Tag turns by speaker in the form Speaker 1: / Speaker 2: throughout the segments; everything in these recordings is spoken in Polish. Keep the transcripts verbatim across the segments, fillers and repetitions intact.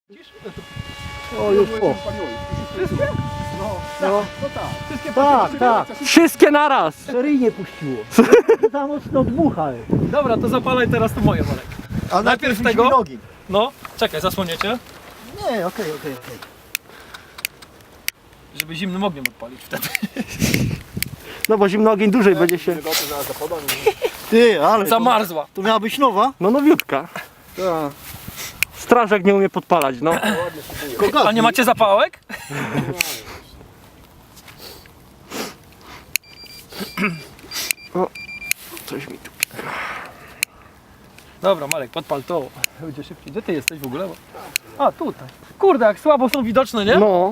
Speaker 1: O, już po.
Speaker 2: Wszystkie?
Speaker 1: No,
Speaker 2: No, no tak. Wszystkie
Speaker 1: tak, tak.
Speaker 3: Wszystkie naraz!
Speaker 1: Seryjnie puściło. Za mocno dmucha.
Speaker 2: Dobra, to zapalaj teraz to moje, Marek.
Speaker 1: A
Speaker 2: najpierw tego?
Speaker 1: nogi.
Speaker 2: No, czekaj, zasłoniecie,
Speaker 1: Nie, okej, okej, okej.
Speaker 2: żeby zimnym ogniem odpalić wtedy.
Speaker 3: No bo zimno ogień dłużej będzie się...
Speaker 1: Ty, ale to,
Speaker 2: Zamarzła.
Speaker 1: to miała być nowa?
Speaker 3: No nowiutka.
Speaker 1: Tak.
Speaker 3: Strażak nie umie podpalać, no.
Speaker 2: A nie macie zapałek?
Speaker 3: Coś mi tu...
Speaker 2: Dobra, Marek, podpal to. Będzie szybciej. Gdzie ty jesteś w ogóle? A, tutaj. Kurde, jak słabo są widoczne, nie?
Speaker 3: No.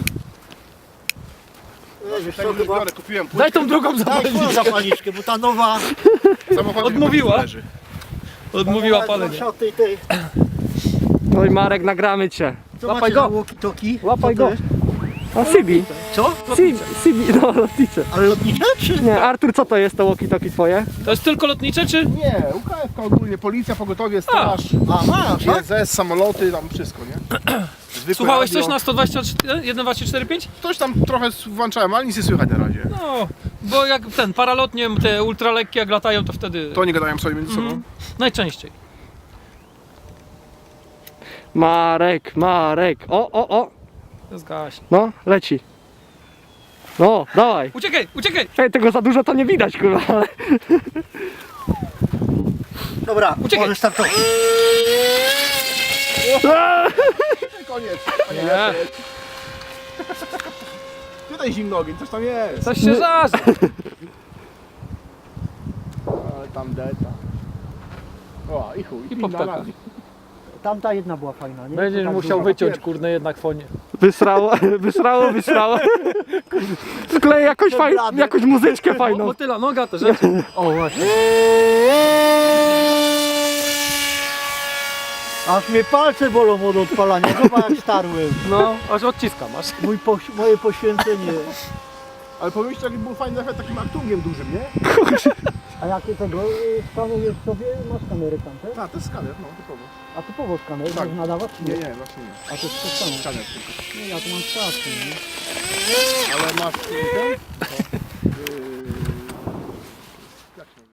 Speaker 1: Wiesz
Speaker 4: Tego
Speaker 1: co,
Speaker 4: już
Speaker 1: chyba...
Speaker 4: biorę, kupiłem płytkę.
Speaker 2: Daj tą drugą
Speaker 1: Daj swoją
Speaker 2: zapalniczkę.
Speaker 1: zapalniczkę, bo ta nowa...
Speaker 4: Samochodem
Speaker 2: Odmówiła.
Speaker 4: leży.
Speaker 2: Odmówiła
Speaker 1: ta
Speaker 2: palenie.
Speaker 1: nowa tej, tej.
Speaker 3: No i Marek, nagramy cię.
Speaker 1: Co
Speaker 2: Łapaj
Speaker 1: macie
Speaker 2: go.
Speaker 1: za walkie-talkie?
Speaker 2: Łapaj
Speaker 1: Co to
Speaker 2: go.
Speaker 1: jest?
Speaker 3: A Sibi.
Speaker 1: Co?
Speaker 3: Sibi, Sibi, no lotnicze.
Speaker 1: Ale lotnicze czy?
Speaker 3: Nie, Artur, co to jest to walkie-talkie twoje?
Speaker 2: To jest tylko lotnicze, czy?
Speaker 4: Nie, U K F K ogólnie, policja, pogotowie, straż,
Speaker 1: A, masz, tak?
Speaker 4: G Z S, samoloty, tam wszystko, nie? Zwykłe
Speaker 2: Słuchałeś
Speaker 4: radio.
Speaker 2: coś na sto dwadzieścia cztery, jeden dwadzieścia cztery pięć?
Speaker 4: Coś tam trochę włączałem, ale nic nie słychać na razie.
Speaker 2: No, bo jak ten paralotnie, te ultralekkie jak latają, to wtedy
Speaker 4: To nie gadają sobie między sobą.
Speaker 2: Mhm. najczęściej.
Speaker 3: Marek, Marek. O, o, o.
Speaker 2: Zgaśnie.
Speaker 3: No, leci. No, dawaj.
Speaker 2: Uciekaj, uciekaj!
Speaker 3: Ej, tego za dużo to nie widać, kurwa, ale...
Speaker 1: Dobra,
Speaker 2: Uciekaj.
Speaker 1: możesz startować.
Speaker 4: Koniec.
Speaker 2: Nie,
Speaker 4: Tutaj zimny ogień, coś tam jest.
Speaker 2: coś się żarzy.
Speaker 4: Ale tam deta. O, i chuj.
Speaker 2: I
Speaker 4: pinna
Speaker 2: poptaka.
Speaker 4: na-
Speaker 1: Tamta jedna była fajna, nie?
Speaker 2: Będziesz
Speaker 1: To tak
Speaker 2: musiał
Speaker 1: duża.
Speaker 2: wyciąć, kurde, jednak fonie.
Speaker 3: Wysrało, wysrało, wysrało. Wklej jakąś, faj... jakąś muzyczkę fajną.
Speaker 2: Motyla, noga, te rzeczy. O, właśnie.
Speaker 1: Aż mnie palce bolą od odpalania, zobacz jak starłem.
Speaker 2: No, aż odciska masz.
Speaker 1: Mój poś moje poświęcenie.
Speaker 4: Ale pomyślcie, jaki był fajny efekt takim aktungiem dużym, nie?
Speaker 1: A jakie tego y, skanujesz sobie? Masz kamerę tam, tak?
Speaker 4: Tak, to jest skaner, no typowo.
Speaker 1: A typowo skaner,
Speaker 4: Tak.
Speaker 1: możesz nadawać czy
Speaker 4: Nie,
Speaker 1: nie?
Speaker 4: nie, właśnie nie.
Speaker 1: A to jest to samo.
Speaker 4: Skaner tylko.
Speaker 1: Nie, ja tu mam czas, nie?
Speaker 4: Ale masz ten?